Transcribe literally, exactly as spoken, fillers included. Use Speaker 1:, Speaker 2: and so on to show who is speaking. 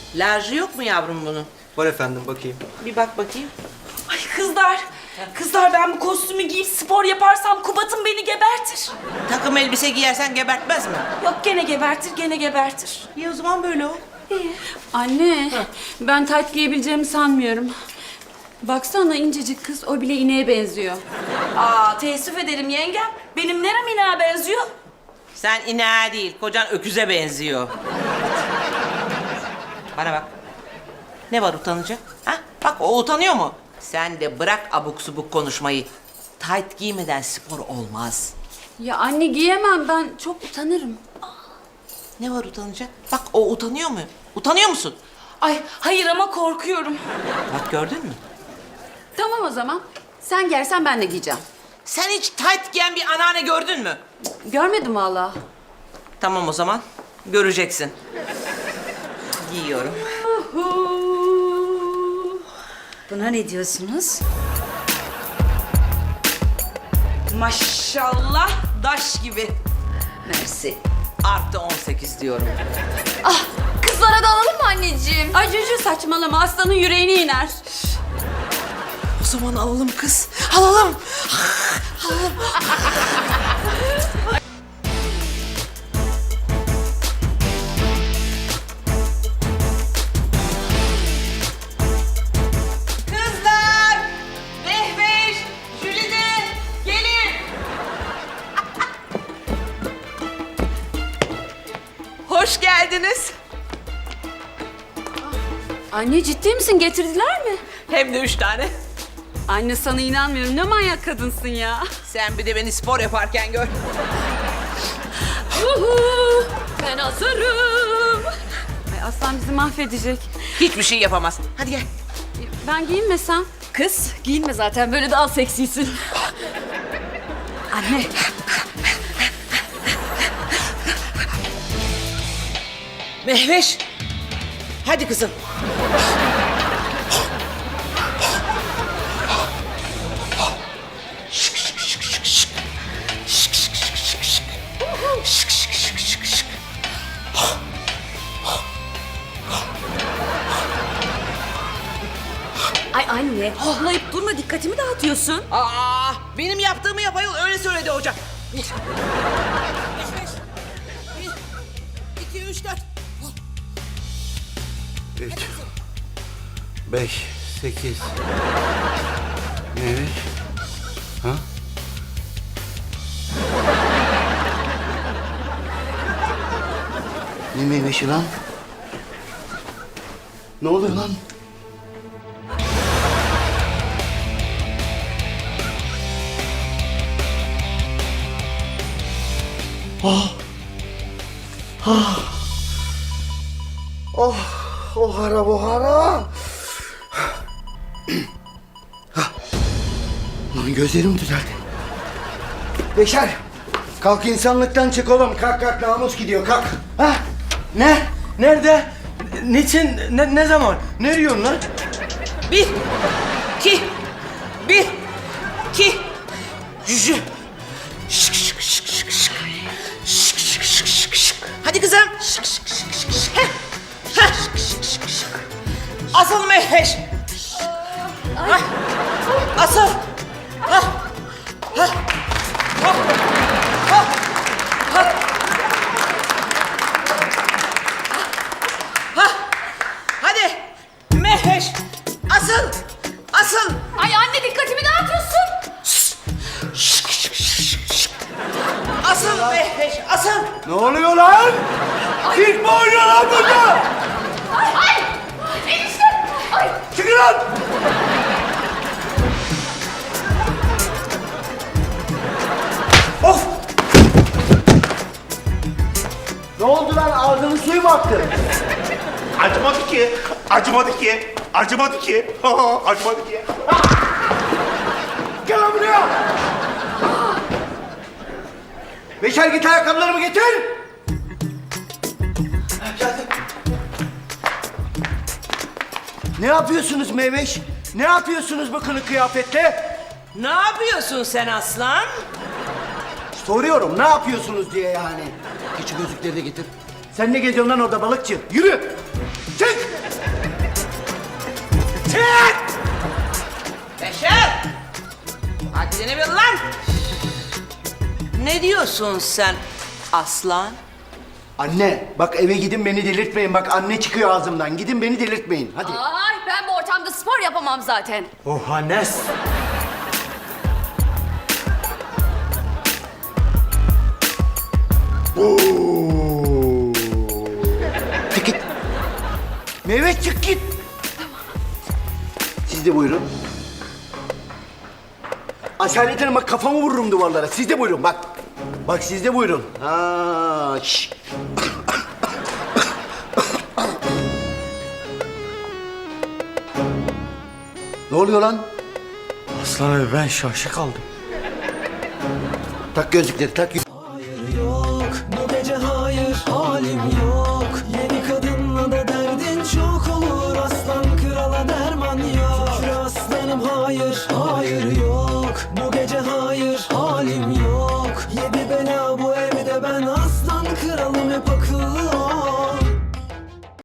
Speaker 1: Larjı yok mu yavrum bunun?
Speaker 2: Var efendim, bakayım.
Speaker 1: Bir bak bakayım.
Speaker 3: Ay kızlar, kızlar ben bu kostümü giyip spor yaparsam Kubat'ım beni gebertir.
Speaker 1: Takım elbise giyersen gebertmez mi?
Speaker 3: Yok gene gebertir, gene gebertir.
Speaker 1: İyi o zaman böyle ol.
Speaker 4: Anne, ben tayt giyebileceğimi sanmıyorum. Baksana incecik kız, o bile ineğe benziyor.
Speaker 3: Aa teessüf ederim yengem. Benim nerem ineğe benziyor?
Speaker 1: Sen ineğe değil, kocan öküze benziyor. Bana bak. Ne var utanacak? Ha? Bak o utanıyor mu? Sen de bırak abuk subuk konuşmayı. Tayt giymeden spor olmaz.
Speaker 4: Ya anne giyemem, ben çok utanırım.
Speaker 1: Ne var utanacak? Bak o utanıyor mu? Utanıyor musun?
Speaker 3: Ay hayır ama korkuyorum.
Speaker 1: Bak gördün mü?
Speaker 4: Tamam o zaman, sen giyersen ben de giyeceğim.
Speaker 1: Sen hiç tayt giyen bir anneanne gördün mü?
Speaker 4: Görmedim valla.
Speaker 1: Tamam o zaman. Göreceksin. Giyiyorum.
Speaker 4: Buna ne diyorsunuz?
Speaker 3: Maşallah daş gibi.
Speaker 4: Mersi.
Speaker 1: Artı on sekiz diyorum.
Speaker 4: Ah, kızlara da alalım mı anneciğim? Ay Cücü saçmalama, aslanın yüreğine iner.
Speaker 1: O zaman alalım kız. Alalım. Kızlar! Mehveş! Jülide! Gelin! Hoş geldiniz.
Speaker 4: Anne ciddi misin, getirdiler mi?
Speaker 1: Hem de üç tane.
Speaker 4: Anne sana inanmıyorum, ne manyak kadınsın ya.
Speaker 1: Sen bir de beni spor yaparken gör.
Speaker 4: Uhu, ben hazırım. Ay aslan bizi mahvedecek.
Speaker 1: Hiçbir şey yapamaz. Hadi gel.
Speaker 4: Ben giyinmesem? Kız, giyinme zaten, böyle daha seksisin. Anne.
Speaker 1: Mehveş. Hadi kızım.
Speaker 4: Ay anne, hohlayıp durma, dikkatimi dağıtıyorsun.
Speaker 1: Aa, benim yaptığımı yap ayol, öyle söyledi hocam. Bir, beş, beş, bir, iki, üç, dört.
Speaker 5: Üç, beş, sekiz. Neymiş? Ha? Ne meyvesi lan? Ne oluyor lan? Ah! Ah! Oh! Ohara bohara! Lan gözlerim düzeldi. Beşer! Kalk insanlıktan çık oğlum. Kalk kalk, namus gidiyor, kalk. Ha?
Speaker 2: Ne? Nerede? Niçin? Ne, ne zaman? Ne diyorsun lan?
Speaker 1: Bir, iki, bir, iki, cücü. Şık şık şık şık şık. Şık şık şık şık şık. Hadi kızım. Şık şık şık şık şık. Heh. Heh. Şık şık şık şık. Asıl Mehveş. Hah. Asıl. Hah. Hah. Hah. Hah. Hah. Hah. Hadi. Mehveş. Asıl. Asıl.
Speaker 4: Ay anne, dikkatimi dağıtıyorsun.
Speaker 1: Asıl Mehveş. Asıl.
Speaker 5: Ne oluyor lan? Sirk mi oynuyor lan burada?
Speaker 4: Ay ay. Enişte. Ay.
Speaker 5: Çıkın lan! Of! Ne oldu lan? Ağzının suyu mu aktı?
Speaker 6: Acımadı ki, acımadı ki, acımadı ki, acımadı ki.
Speaker 5: Gel lan buraya! Beşer, git ayakkabılarımı getir! Geldim. Ne yapıyorsunuz Meyveş? Ne yapıyorsunuz bu kılık kıyafetle?
Speaker 1: Ne yapıyorsun sen aslan?
Speaker 5: Soruyorum, ne yapıyorsunuz diye yani. Geç şu gözlükleri de getir. Sen ne geziyorsun lan orada balıkçı? Yürü! Çık!
Speaker 1: diyorsun sen aslan?
Speaker 5: Anne bak eve gidin beni delirtmeyin. Bak anne çıkıyor ağzımdan. Gidin beni delirtmeyin. Hadi.
Speaker 4: Ay ben bu ortamda spor yapamam zaten.
Speaker 2: Oh Hannes.
Speaker 5: Çık git. Mehmet çık git. Siz de buyurun. Asalet Hanım bak kafamı vururum duvarlara. Siz de buyurun bak. Bak siz de buyurun. Ha, şş. Ne oluyor lan?
Speaker 2: Aslan abi ben şaşı kaldım.
Speaker 5: Tak gözlükleri tak.
Speaker 7: Yok bu gece hayır halim yok. Yeni kadınla da derdin çok olur. Aslan krala derman yok. Şükür aslanım hayır hayır yok. Bu gece hayır halim yok. Yedi bela bu evde ben aslan kralım hep akıyor.